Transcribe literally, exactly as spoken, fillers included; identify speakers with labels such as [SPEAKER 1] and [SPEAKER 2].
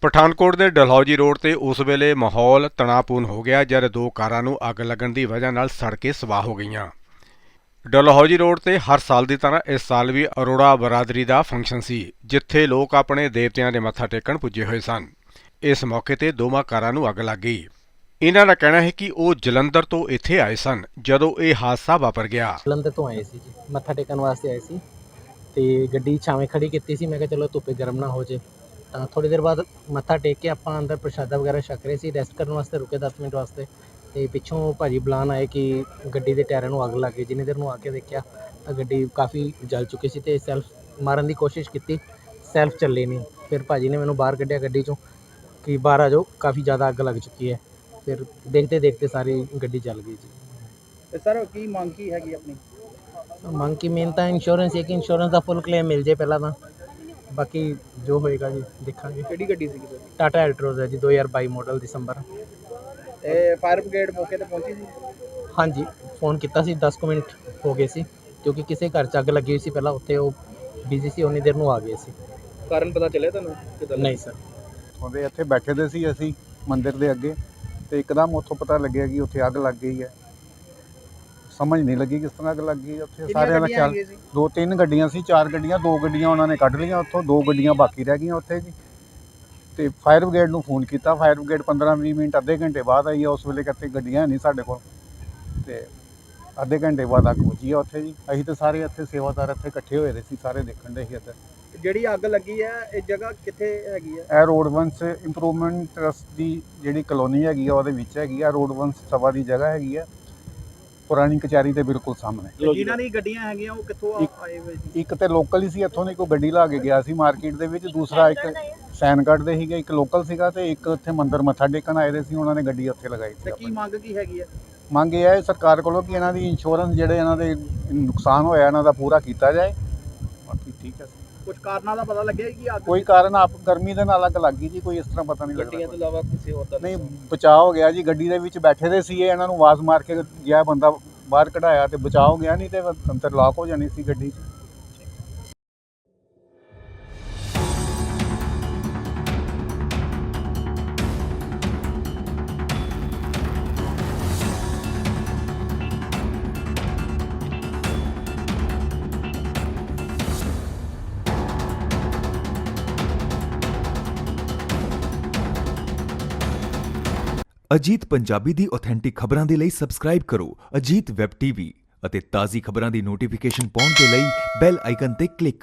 [SPEAKER 1] ਪਠਾਨਕੋਟ ਦੇ ਡਲਹੌਜੀ ਰੋਡ ਤੇ ਉਸ ਵੇਲੇ ਮਾਹੌਲ ਤਣਾਅਪੂਰਨ ਹੋ ਗਿਆ ਜਦ ਦੋ ਕਾਰਾਂ ਨੂੰ ਅੱਗ ਲੱਗਣ ਦੀ ਵਜ੍ਹਾ ਨਾਲ ਸੜ ਕੇ ਸਵਾਹ ਹੋ ਗਈਆਂ। ਡਲਹੌਜੀ ਰੋਡ ਤੇ ਹਰ ਸਾਲ ਦੀ ਤਰ੍ਹਾਂ ਇਸ ਸਾਲ ਵੀ ਅਰੋੜਾ ਬਰਾਦਰੀ ਦਾ ਫੰਕਸ਼ਨ ਸੀ, ਜਿੱਥੇ ਲੋਕ ਆਪਣੇ ਦੇਵਤਿਆਂ ਦੇ ਮੱਥਾ ਟੇਕਣ ਪੁੱਜੇ ਹੋਏ ਸਨ। ਇਸ ਮੌਕੇ ਤੇ ਦੋਵਾਂ ਕਾਰਾਂ ਨੂੰ ਅੱਗ ਲੱਗ ਗਈ। ਇਹਨਾਂ ਦਾ ਕਹਿਣਾ ਹੈ ਕਿ ਉਹ ਜਲੰਧਰ ਤੋਂ ਇੱਥੇ ਆਏ ਸਨ ਜਦੋਂ ਇਹ ਹਾਦਸਾ ਵਾਪਰ ਗਿਆ।
[SPEAKER 2] ਜਲੰਧਰ ਤੋਂ ਆਏ ਸੀ ਜੀ, ਮੱਥਾ ਟੇਕਣ ਵਾਸਤੇ ਆਏ ਸੀ ਤੇ ਗੱਡੀ ਛਾਵੇਂ ਖੜੀ ਕੀਤੀ ਸੀ। ਮੈਂ ਕਿਹਾ ਚਲੋ ਧੁੱਪੇ ਗਰਮ ਨਾ ਹੋ ਜੇ, ਤਾਂ ਥੋੜੀ ਦੇਰ ਬਾਅਦ ਮੱਥਾ ਟੇਕ ਕੇ ਆਪਾਂ ਅੰਦਰ ਪ੍ਰਸ਼ਾਦਾ ਵਗੈਰਾ ਛਕ ਰਹੇ ਸੀ। ਰੈਸਟ ਕਰਨ ਵਾਸਤੇ ਰੁਕੇ ਦਸ ਮਿੰਟ ਵਾਸਤੇ, ਤੇ ਪਿੱਛੋਂ ਭਾਜੀ ਬੁਲਾਉਣ ਆਏ ਕਿ ਗੱਡੀ ਦੇ ਟਾਇਰਾਂ ਨੂੰ ਅੱਗ ਲੱਗ ਗਈ। ਜਿੰਨੀ ਦੇਰ ਨੂੰ ਆ ਕੇ ਦੇਖਿਆ ਤਾਂ ਗੱਡੀ ਕਾਫੀ ਜਲ ਚੁੱਕੀ ਸੀ ਤੇ ਸੈਲਫ ਮਾਰਨ ਦੀ ਕੋਸ਼ਿਸ਼ ਕੀਤੀ, ਸੈਲਫ ਚੱਲੇ ਨਹੀਂ। ਫਿਰ ਭਾਜੀ ਨੇ ਮੈਨੂੰ ਬਾਹਰ ਕੱਢਿਆ ਗੱਡੀ 'ਚੋਂ ਕਿ ਬਾਹਰ ਆ ਜਾਓ, ਕਾਫੀ ਜ਼ਿਆਦਾ ਅੱਗ ਲੱਗ ਚੁੱਕੀ ਹੈ। ਫਿਰ ਦੇਖਦੇ ਦੇਖਦੇ ਸਾਰੀ ਗੱਡੀ ਜਲ ਗਈ ਜੀ।
[SPEAKER 3] ਤੇ ਸਰ ਕੀ ਮੰਗ ਕੀ ਹੈਗੀ ਆਪਣੀ?
[SPEAKER 2] ਮੰਗ ਕੀ ਮੇਨ ਤਾਂ ਇੰਸ਼ੋਰੈਂਸ ਹੈ ਕਿ ਇੰਸ਼ੋਰੈਂਸ ਦਾ ਫੁੱਲ ਕਲੇਮ ਮਿਲ ਜੇ ਪਹਿਲਾਂ ਤਾਂ, ਬਾਕੀ ਜੋ ਹੋਏਗਾ ਜੀ ਦੇਖਾਂਗੇ।
[SPEAKER 3] ਕਿਹੜੀ ਗੱਡੀ ਸੀਗੀ ਸਰ?
[SPEAKER 2] ਟਾਟਾ ਐਲਟਰੋਜ਼ ਹੈ ਜੀ, ਦੋ ਹਜ਼ਾਰ ਬਾਈ ਮਾਡਲ ਦਸੰਬਰ।
[SPEAKER 3] ਤੇ ਫਾਇਰ ਬ੍ਰਿਗੇਡ ਮੌਕੇ ਤੇ ਪਹੁੰਚੀ ਸੀ?
[SPEAKER 2] ਹਾਂਜੀ, ਫੋਨ ਕੀਤਾ ਸੀ, ਦਸ ਕੁ ਮਿੰਟ ਹੋ ਗਏ ਸੀ ਕਿਉਂਕਿ ਕਿਸੇ ਘਰ 'ਚ ਅੱਗ ਲੱਗੀ ਹੋਈ ਸੀ ਪਹਿਲਾਂ, ਉੱਥੇ ਉਹ ਬਿਜ਼ੀ ਸੀ, ਉਨੀ ਦੇਰ ਨੂੰ ਆ ਗਏ ਸੀ।
[SPEAKER 3] ਕਾਰਨ ਪਤਾ ਚੱਲਿਆ ਤੁਹਾਨੂੰ ਕਿੱਦਾਂ?
[SPEAKER 2] ਨਹੀਂ ਸਰ।
[SPEAKER 4] ਉਹਦੇ ਇੱਥੇ ਬੈਠੇ ਦੇ ਸੀ ਅਸੀਂ ਮੰਦਿਰ ਦੇ ਅੱਗੇ, ਤੇ ਇੱਕਦਮ ਉੱਥੋਂ ਪਤਾ ਲੱਗਿਆ ਕਿ ਉੱਥੇ ਅੱਗ ਲੱਗ ਗਈ ਹੈ। ਸਮਝ ਨਹੀਂ ਲੱਗੀ ਕਿਸ ਤਰ੍ਹਾਂ ਅੱਗ ਲੱਗ ਗਈ। ਉੱਥੇ ਸਾਰਿਆਂ ਦਾ ਖਿਆਲ, ਦੋ ਤਿੰਨ ਗੱਡੀਆਂ ਸੀ, ਚਾਰ ਗੱਡੀਆਂ, ਦੋ ਗੱਡੀਆਂ ਉਹਨਾਂ ਨੇ ਕੱਢ ਲਈਆਂ ਉੱਥੋਂ, ਦੋ ਗੱਡੀਆਂ ਬਾਕੀ ਰਹਿ ਗਈਆਂ ਉੱਥੇ ਜੀ। ਤੇ ਫਾਇਰ ਬ੍ਰਿਗੇਡ ਨੂੰ ਫੋਨ ਕੀਤਾ, ਫਾਇਰ ਬ੍ਰਿਗੇਡ ਪੰਦਰਾਂ ਵੀਹ ਮਿੰਟ ਅੱਧੇ ਘੰਟੇ ਬਾਅਦ ਆਈ ਹੈ। ਉਸ ਵੇਲੇ ਕਿਤੇ ਗੱਡੀਆਂ ਨਹੀਂ ਸਾਡੇ ਕੋਲ, ਤੇ ਅੱਧੇ ਘੰਟੇ ਬਾਅਦ ਅੱਗ ਪਹੁੰਚੀ ਆ ਉੱਥੇ ਜੀ। ਅਸੀਂ ਤਾਂ ਸਾਰੇ ਇੱਥੇ ਸੇਵਾਦਾਰ ਇੱਥੇ ਇਕੱਠੇ ਹੋਏ ਦੇ ਸੀ, ਸਾਰੇ ਦੇਖਣ ਦੇ ਸੀ ਇੱਧਰ।
[SPEAKER 3] ਜਿਹੜੀ ਅੱਗ ਲੱਗੀ ਹੈ ਇਹ ਜਗ੍ਹਾ ਕਿੱਥੇ ਹੈਗੀ ਹੈ?
[SPEAKER 4] ਇਹ ਰੋਡ ਵੰਸ ਇੰਪਰੂਵਮੈਂਟ ਟਰਸਟ ਦੀ ਜਿਹੜੀ ਕਲੋਨੀ ਹੈਗੀ ਆ ਉਹਦੇ ਵਿੱਚ ਹੈਗੀ ਆ। ਰੋਡ ਵੰਸ ਸਭਾ ਦੀ ਜਗ੍ਹਾ ਹੈਗੀ ਆ, ਪੁਰਾਣੀ ਕਚਹਿਰੀ ਦੇ ਬਿਲਕੁਲ ਸਾਹਮਣੇ।
[SPEAKER 3] ਜਿਨ੍ਹਾਂ ਦੀ ਗੱਡੀਆਂ ਹੈਗੀਆਂ ਉਹ ਕਿੱਥੋਂ ਆਏ ਹੋਏ ਸੀ?
[SPEAKER 4] ਇੱਕ ਤੇ ਲੋਕਲ ਹੀ ਸੀ, ਇੱਥੋਂ ਦੀ ਕੋਈ ਗੱਡੀ ਲਾ ਕੇ ਗਿਆ ਸੀ ਮਾਰਕੀਟ ਦੇ ਵਿੱਚ। ਦੂਸਰਾ ਇੱਕ ਸੈਨਗੜ੍ਹ ਦੇ ਸੀਗਾ, ਇੱਕ ਲੋਕਲ ਸੀਗਾ, ਤੇ ਇੱਕ ਇੱਥੇ ਮੰਦਿਰ ਮੱਥਾ ਟੇਕਣ ਆਏ ਦੇ ਸੀ, ਉਹਨਾਂ ਨੇ ਗੱਡੀ ਉੱਥੇ ਲਗਾਈ ਸੀ।
[SPEAKER 3] ਤੇ ਕੀ ਮੰਗ ਕੀ ਹੈਗੀ ਹੈ?
[SPEAKER 4] ਮੰਗ ਇਹ ਹੈ ਸਰਕਾਰ ਕੋਲੋਂ ਕਿ ਇਹਨਾਂ ਦੀ ਇੰਸ਼ੋਰੈਂਸ ਜਿਹੜੇ ਇਹਨਾਂ ਦੇ ਨੁਕਸਾਨ ਹੋਇਆ ਇਹਨਾਂ ਦਾ ਪੂਰਾ ਕੀਤਾ ਜਾਏ। ਬਾਕੀ ਠੀਕ ਹੈ।
[SPEAKER 3] ਕੁਝ ਕਾਰਨਾਂ ਦਾ ਪਤਾ ਲੱਗਿਆ ਕਿ ਅੱਗ
[SPEAKER 4] ਕੋਈ ਕਾਰਨ ਆਪ ਗਰਮੀ ਦੇ ਨਾਲ ਅੱਗ ਲੱਗ ਗਈ ਜੀ, ਕੋਈ ਇਸ ਤਰ੍ਹਾਂ ਪਤਾ ਨਹੀਂ
[SPEAKER 3] ਗੱਡੀਆਂ ਤੋਂ
[SPEAKER 4] ਲੱਗਦਾ।
[SPEAKER 3] ਇਲਾਵਾ ਕਿਸੇ ਹੋਰ ਦਾ
[SPEAKER 4] ਨਹੀਂ, ਬਚਾਅ ਹੋ ਗਿਆ ਜੀ। ਗੱਡੀ ਦੇ ਵਿੱਚ ਬੈਠੇ ਦੇ ਸੀ, ਇਹਨਾਂ ਨੂੰ ਆਵਾਜ਼ ਮਾਰ ਕੇ ਗਿਆ ਬੰਦਾ ਬਾਹਰ ਕਢਾਇਆ ਤੇ ਬਚਾਅ ਹੋ ਗਿਆ, ਨਹੀਂ ਤੇ ਅੰਦਰ ਲਾਕ ਹੋ ਜਾਣੀ ਸੀ ਗੱਡੀ 'ਚ।
[SPEAKER 5] ਅਜੀਤ ਪੰਜਾਬੀ ਦੀ ਆਥੈਂਟਿਕ ਖਬਰਾਂ ਦੇ ਲਈ ਸਬਸਕ੍ਰਾਈਬ ਕਰੋ ਅਜੀਤ ਵੈਬ ਟੀਵੀ ਅਤੇ ਤਾਜ਼ੀ ਖਬਰਾਂ ਦੀ ਨੋਟੀਫਿਕੇਸ਼ਨ ਪਾਉਣ ਦੇ ਲਈ ਬੈਲ ਆਈਕਨ ਤੇ ਕਲਿੱਕ